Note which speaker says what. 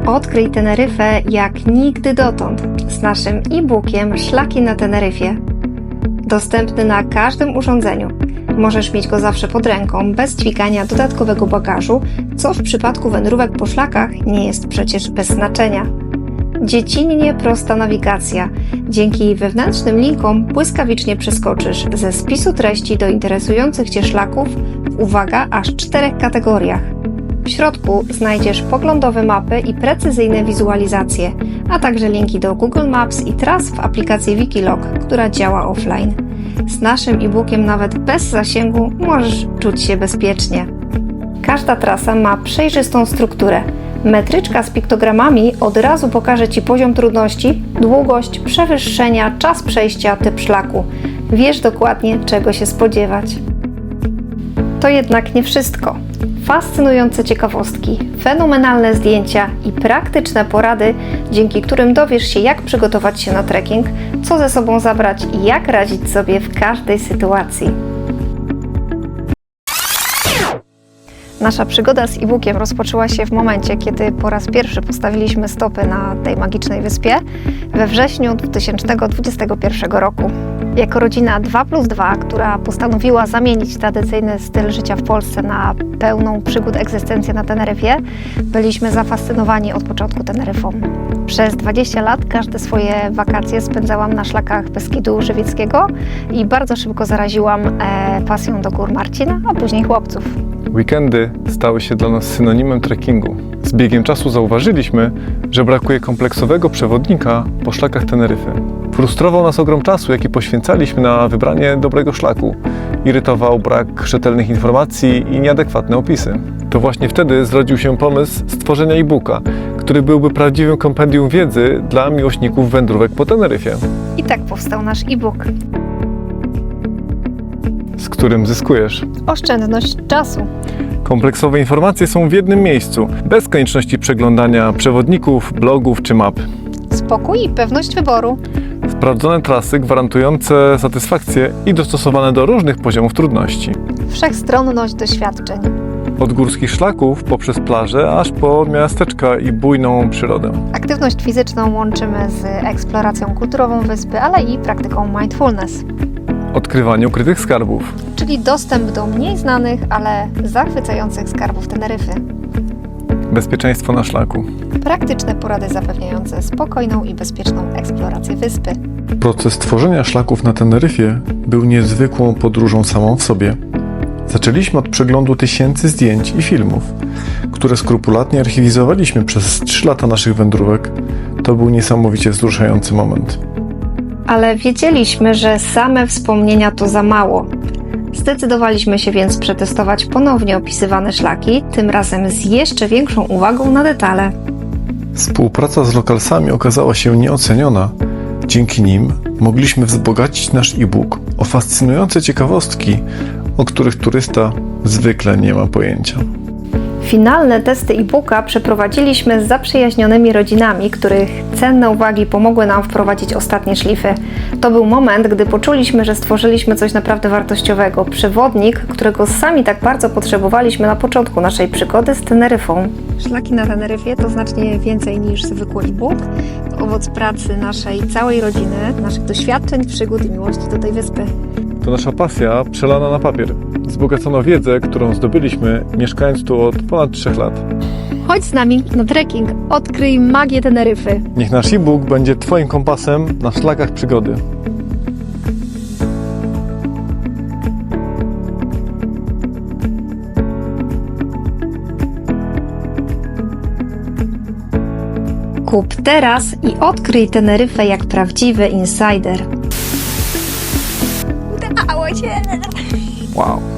Speaker 1: Odkryj Teneryfę jak nigdy dotąd z naszym e-bookiem Szlaki na Teneryfie. Dostępny na każdym urządzeniu. Możesz mieć go zawsze pod ręką, bez dźwigania dodatkowego bagażu, co w przypadku wędrówek po szlakach nie jest przecież bez znaczenia. Dziecinnie prosta nawigacja. Dzięki wewnętrznym linkom błyskawicznie przeskoczysz ze spisu treści do interesujących Cię szlaków w, uwaga, aż 4 kategoriach. W środku znajdziesz poglądowe mapy i precyzyjne wizualizacje, a także linki do Google Maps i tras w aplikacji Wikilog, która działa offline. Z naszym e-bookiem nawet bez zasięgu możesz czuć się bezpiecznie. Każda trasa ma przejrzystą strukturę. Metryczka z piktogramami od razu pokaże Ci poziom trudności, długość, przewyższenia, czas przejścia, typ szlaku. Wiesz dokładnie, czego się spodziewać. To jednak nie wszystko. Fascynujące ciekawostki, fenomenalne zdjęcia i praktyczne porady, dzięki którym dowiesz się, jak przygotować się na trekking, co ze sobą zabrać i jak radzić sobie w każdej sytuacji. Nasza przygoda z e-bookiem rozpoczęła się w momencie, kiedy po raz pierwszy postawiliśmy stopy na tej magicznej wyspie we wrześniu 2021 roku. Jako rodzina 2+2, która postanowiła zamienić tradycyjny styl życia w Polsce na pełną przygód egzystencję na Teneryfie, byliśmy zafascynowani od początku Teneryfą. Przez 20 lat każde swoje wakacje spędzałam na szlakach Beskidu Żywieckiego i bardzo szybko zaraziłam pasją do gór Marcina, a później chłopców.
Speaker 2: Weekendy stały się dla nas synonimem trekkingu. Z biegiem czasu zauważyliśmy, że brakuje kompleksowego przewodnika po szlakach Teneryfy. Frustrował nas ogrom czasu, jaki poświęcaliśmy na wybranie dobrego szlaku. Irytował brak rzetelnych informacji i nieadekwatne opisy. To właśnie wtedy zrodził się pomysł stworzenia e-booka, który byłby prawdziwym kompendium wiedzy dla miłośników wędrówek po Teneryfie.
Speaker 1: I tak powstał nasz e-book.
Speaker 2: Z którym zyskujesz
Speaker 1: Oszczędność czasu.
Speaker 2: kompleksowe informacje są w jednym miejscu, bez konieczności przeglądania przewodników, blogów czy map.
Speaker 1: Spokój i pewność wyboru.
Speaker 2: Sprawdzone trasy gwarantujące satysfakcję i dostosowane do różnych poziomów trudności.
Speaker 1: Wszechstronność doświadczeń.
Speaker 2: Od górskich szlaków poprzez plaże, aż po miasteczka i bujną przyrodę.
Speaker 1: Aktywność fizyczną łączymy z eksploracją kulturową wyspy, ale i praktyką mindfulness.
Speaker 2: Odkrywanie ukrytych skarbów.
Speaker 1: Czyli dostęp do mniej znanych, ale zachwycających skarbów Teneryfy.
Speaker 2: Bezpieczeństwo na szlaku.
Speaker 1: Praktyczne porady zapewniające spokojną i bezpieczną eksplorację wyspy.
Speaker 2: Proces tworzenia szlaków na Teneryfie był niezwykłą podróżą samą w sobie. Zaczęliśmy od przeglądu tysięcy zdjęć i filmów, które skrupulatnie archiwizowaliśmy przez 3 lata naszych wędrówek. To był niesamowicie wzruszający moment.
Speaker 1: Ale wiedzieliśmy, że same wspomnienia to za mało. Zdecydowaliśmy się więc przetestować ponownie opisywane szlaki, tym razem z jeszcze większą uwagą na detale.
Speaker 2: Współpraca z lokalsami okazała się nieoceniona. Dzięki nim mogliśmy wzbogacić nasz e-book o fascynujące ciekawostki, o których turysta zwykle nie ma pojęcia.
Speaker 1: Finalne testy e-booka przeprowadziliśmy z zaprzyjaźnionymi rodzinami, których cenne uwagi pomogły nam wprowadzić ostatnie szlify. To był moment, gdy poczuliśmy, że stworzyliśmy coś naprawdę wartościowego. Przewodnik, którego sami tak bardzo potrzebowaliśmy na początku naszej przygody z Teneryfą. Szlaki na Teneryfie to znacznie więcej niż zwykły e-book. To owoc pracy naszej całej rodziny, naszych doświadczeń, przygód i miłości do tej wyspy.
Speaker 2: To nasza pasja przelana na papier. Wzbogacono wiedzę, którą zdobyliśmy mieszkając tu od ponad 3 lat.
Speaker 1: Chodź z nami na trekking, odkryj magię Teneryfy.
Speaker 2: Niech nasz e-book będzie Twoim kompasem na szlakach przygody.
Speaker 1: Kup teraz i odkryj Teneryfę jak prawdziwy insider. Udało się!
Speaker 2: Wow!